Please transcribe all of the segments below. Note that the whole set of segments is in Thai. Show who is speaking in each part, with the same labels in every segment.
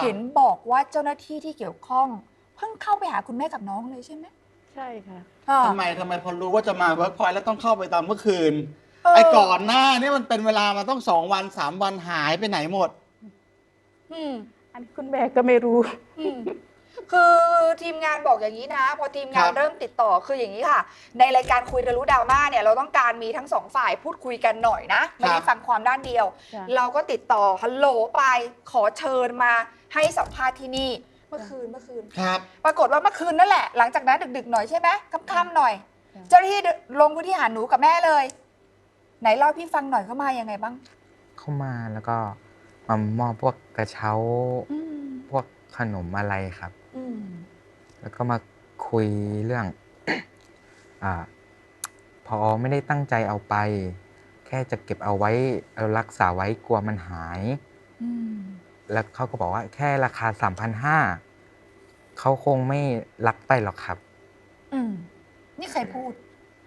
Speaker 1: เห็นบอกว่าเจ้าหน้าที่ที่เกี่ยวข้องเพิ่งเข้าไปหาคุณแม่กับน้องเลยใช่ไหม
Speaker 2: ใช่ค่ะ
Speaker 3: ทำไมพอรู้ว่าจะมาเวิร์กพอยต์แล้วต้องเข้าไปตอนเมื่อคืน
Speaker 1: เอ
Speaker 3: ไอ้
Speaker 1: อ
Speaker 3: ก่อนหน้านี่มันเป็นเวลามาต้อง2 วัน3 วันหายไปไหนหมด
Speaker 1: อืม
Speaker 2: อันนี้คุณแม่ก็ไม่รู้
Speaker 1: อืมคือทีมงานบอกอย่างนี้นะพอทีมงานเริ่มติดต่อคืออย่างนี้ค่ะในรายการคุยกันรู้ดราม่าเนี่ยเราต้องการมีทั้งสองฝ่ายพูดคุยกันหน่อยนะไม่ได้ฟังความด้านเดียว เราก็ติดต่อฮัลโหลไปขอเชิญมาให้สัมภาษณ์ที่นี่เมื่อคืน
Speaker 3: ครับ
Speaker 1: ปรากฏว่าเมื่อคืนนั่นแหละหลังจากนั้นดึกๆหน่อยใช่ไหมค่ำๆหน่อยเจ้าหน้าที่ลงพื้นที่หาหนูกับแม่เลยไหนเล่าพี่ฟังหน่อยเขามายังไงบ้าง
Speaker 4: เข้ามาแล้วก็มามอบพวกกระเช้าพวกขนมอะไรครับ แล้วก็มาคุยเรื่อง พอไม่ได้ตั้งใจเอาไป แค่จะเก็บเอาไว้เอารักษาไว้กลัวมันหายแล้วเขาก็บอกว่าแค่ราคา 3,500เขาคงไม่รับไปหรอกครับ
Speaker 1: นี่ใครพูด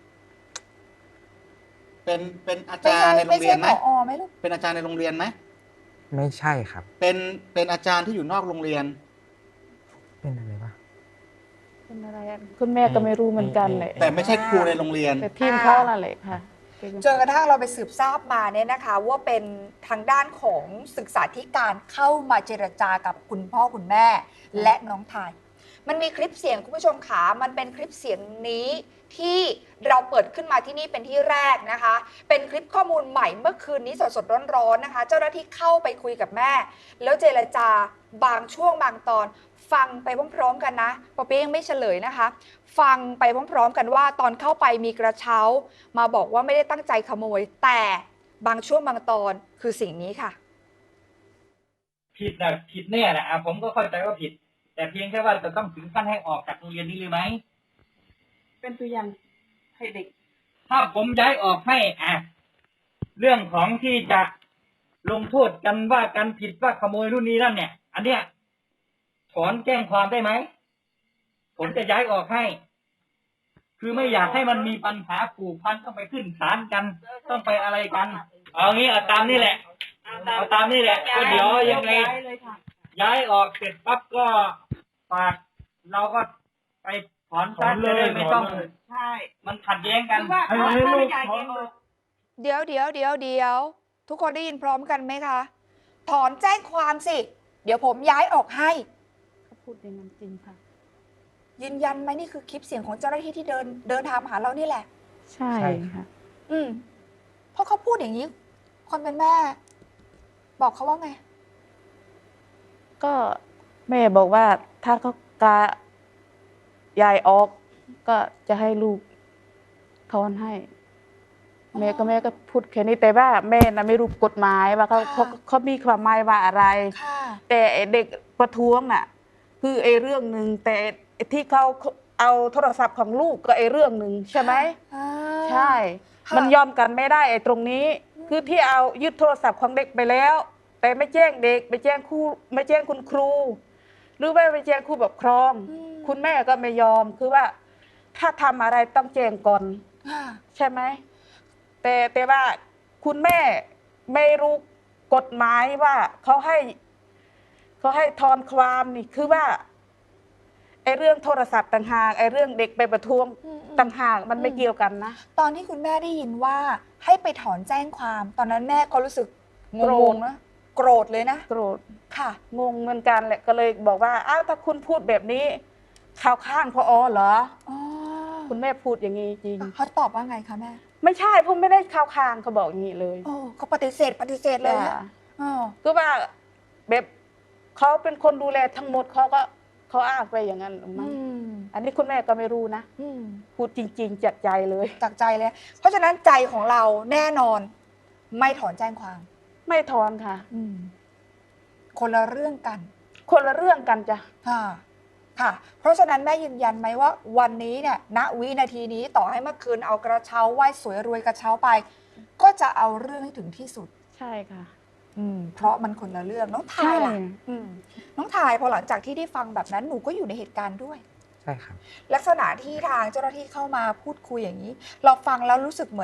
Speaker 3: เป็นอาจารย์ในโรงเรียนไหม
Speaker 1: ไม่ใช่ผอไหมลูก
Speaker 3: เป็นอาจารย์ในโรงเรียนไหม
Speaker 4: ไม่ใช่ครับ
Speaker 3: เป็นอาจารย์ที่อยู่นอกโรงเรียน
Speaker 4: เป็นอะไรวะ
Speaker 2: เป็นอะไรคุณแม่ก็ไม่รู้เหมือนกันเลย
Speaker 3: แต่ไม่ใช่ครูในโรงเรียน
Speaker 2: แต่ทีมเขานั่นแหละค่ะ
Speaker 1: จนกระทั่งเราไปสืบทราบมาเนี่ยนะคะว่าเป็นทางด้านของศึกษาธิการเข้ามาเจรจากับคุณพ่อคุณแม่และน้องทายมันมีคลิปเสียงคุณผู้ชมขามันเป็นคลิปเสียงนี้ที่เราเปิดขึ้นมาที่นี่เป็นที่แรกนะคะเป็นคลิปข้อมูลใหม่เมื่อคืนนี้สดๆร้อนๆนะคะเจ้าหน้าที่เข้าไปคุยกับแม่แล้วเจรจาบางช่วงบางตอนฟังไปพร้อมๆกันนะปอเปี๊ยะยังไม่เฉลยนะคะฟังไปพร้อมๆกันว่าตอนเข้าไปมีกระเช้ามาบอกว่าไม่ได้ตั้งใจขโมยแต่บางช่วงบางตอนคือสิ่งนี้ค่ะ
Speaker 5: ผิดนะผิดแน่แหละผมก็เข้าใจว่าผิดแต่เพียงแค่ว่าจะต้องถึงขั้นให้ออกจากโรงเรียนนี้เลยไหม
Speaker 2: เป็นตัวอย่างให้เด็ก
Speaker 5: ถ้าผมย้ายออกให้เรื่องของที่จะลงโทษกันว่ากันผิดว่าขโมยรุ่นนี้นั่นเนี่ยอันเนี้ยถอนแจ้งความได้ไหมผมจะย้ายออกให้คือไม่อยากให้มันมีปัญหาผูกพันต้องไปขึ้นศาลกันต้องไปอะไรกันเอางี้เอาตามนี่แหละเอาตามนี่แหละก็เดี๋ยวยังไงย้ายออกเสร็จปั๊บก็ฝากเราก็ไปถอนซะจะได้ไม่ต้องใช่มันขัดแย้งกันให้ลูกถอน
Speaker 1: เดี๋ยวทุกคนได้ยินพร้อมกันไหมคะถอนแจ้งความสิเดี๋ยวผมย้ายออกให้
Speaker 2: เขาพูดอย่างนั้นจริงค่ะ
Speaker 1: ยืนยันไหมนี่คือคลิปเสียงของเจ้าหน้าที่ที่เดินทางมาหาเรานี่แหละ
Speaker 2: ใช่ค่ะ
Speaker 1: เพราะเขาพูดอย่างนี้คนเป็นแม่บอกเขาว่าไง
Speaker 2: ก็แม่บอกว่าถ้าเขากายายออกก็จะให้ลูกถอนให้แม่ก็พูดแค่นี้แต่ว่าแม่น่ะไม่รู้กฎหมายว่าเขามีความหมายว่าอะไรแต่เด็กประท้วงน่ะคือเรื่องหนึ่งแต่ที่เขาเอาโทรศัพท์ของลูกก็เรื่องหนึ่งใช่ไหมใช่มันยอมกันไม่ได้ตรงนี้คือที่เอายึดโทรศัพท์ของเด็กไปแล้วแต่ไม่แจ้งเด็กไม่แจ้งครูไม่แจ้งคุณครูหรือไม่แจ้งครูปกครองคุณแม่ก็ไม่ยอมคือว่าถ้าทำอะไรต้องแจ้งก่อนใช่ไหมแต่ว่าคุณแม่ไม่รู้กฎหมายว่าเขาให้ถอนความนี่คือว่าเรื่องโทรศัพท์ต่างหากเรื่องเด็กไปประท้วงต่างหากมันไม่เกี่ยวกันนะ
Speaker 1: ตอนที่คุณแม่ได้ยินว่าให้ไปถอนแจ้งความตอนนั้นแม่ก็รู้สึกงงนะโกรธเลยนะ
Speaker 2: โกรธ
Speaker 1: ค่ะ
Speaker 2: งงเหมือนกันแหละก็เลยบอกว่าอ้าวถ้าคุณพูดแบบนี้ข่าวข้างพอเหรอคุณแม่พูดอย่างนี้จริง
Speaker 1: เขาตอบว่าไงคะแม่
Speaker 2: ไม่ใช่ผมไม่ได้ข่าวข้างเขาบอกอย่างนี้เลย
Speaker 1: เขาปฏิเสธเลย
Speaker 2: ก็ว่าแบบเขาเป็นคนดูแลทั้งหมดเขาอ้างไปอย่างนั้นอันนี้คุณแม่ก็ไม่รู้นะพูดจริงๆจากใจเลย
Speaker 1: จากใจเลยเพราะฉะนั้นใจของเราแน่นอนไม่ถอนแจ้งความ
Speaker 2: ไม่ถอนค่ะ
Speaker 1: คนละเรื่องกัน
Speaker 2: คนละเรื่องกันจ้ะ
Speaker 1: ค่ะเพราะฉะนั้นแม่ยืนยันไหมว่าวันนี้เนี่ยณวินาทีนี้ต่อให้เมื่อคืนเอากระเช้าไหว้สวยรวยกระเช้าไปก็จะเอาเรื่องให้ถึงที่สุด
Speaker 2: ใช่ค่ะ
Speaker 1: เพราะมันคนละเรื่องน้องทายล่ะน้องทายพอหลังจากที่ได้ฟังแบบนั้นหนูก็อยู่ในเหตุการณ์ด้วย
Speaker 4: ใช่ครับ
Speaker 1: ลักษณะที่ทางเจ้าหน้าที่เข้ามาพูดคุยอย่างนี้เราฟังแล้วรู้สึกเห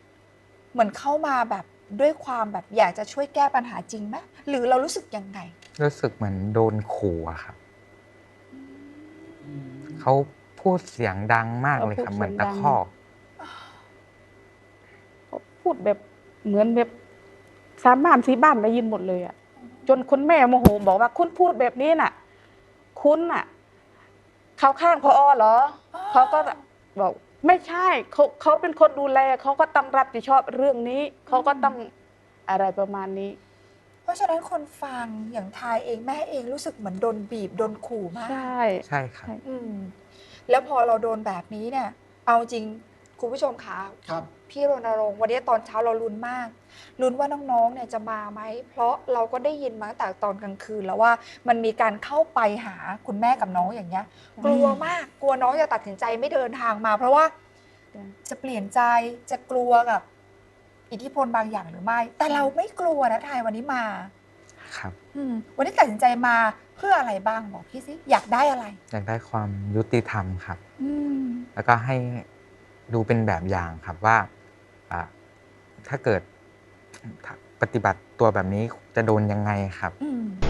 Speaker 1: มือนเข้ามาแบบด้วยความแบบอยากจะช่วยแก้ปัญหาจริงไหมหรือเรารู้สึกยังไง
Speaker 4: รู้สึกเหมือนโดนขู่อะครับเขาพูดเสียงดังมากเลยครับ เหมือนตะคอก
Speaker 2: เขาพูดแบบเหมือนแบบสามบ้านสี่บ้านได้ยินหมดเลยอ่ะจนคุณแม่โมโหบอกว่าคุณพูดแบบนี้น่ะ คุณน่ะ เข้าข้างพอเหรอเขาก็บอกไม่ใช่เขาเป็นคนดูแลเขาก็ต้องรับผิดชอบเรื่องนี้เขาก็ต้องอะไรประมาณนี้
Speaker 1: เพราะฉะนั้นคนฟังอย่างทายเองแม่เองรู้สึกเหมือนโดนบีบโดนขู่มาก
Speaker 2: ใช่
Speaker 4: ใช่ครับ
Speaker 1: อืมแล้วพอเราโดนแบบนี้เนี่ย เอาจริงคุณผู้ชมคะ
Speaker 3: ครับ
Speaker 1: พี่รณรงค์วันนี้ตอนเช้าเราลุ้นมากลุ้นว่าน้องๆเนี่ยจะมาไหมเพราะเราก็ได้ยินมาตั้งแต่ตอนกลางคืนแล้วว่ามันมีการเข้าไปหาคุณแม่กับน้องอย่างเงี้ย กลัวมากกลัวน้องจะตัดสินใจไม่เดินทางมา เพราะว่าจะเปลี่ยนใจจะกลัวกับอิทธิพลบางอย่างหรือไม่ แต่เราไม่กลัวนะทายวันนี้มา
Speaker 4: ครับ
Speaker 1: วันนี้ตัดสินใจมาเพื่ออะไรบ้างบอกพี่สิอยากได้อะไร
Speaker 4: อยากได้ความยุติธรรมครับ
Speaker 1: อืม
Speaker 4: แล้วก็ให้ดูเป็นแบบอย่างครับว่าถ้าเกิดปฏิบัติตัวแบบนี้จะโดนยังไงครับ
Speaker 1: อืม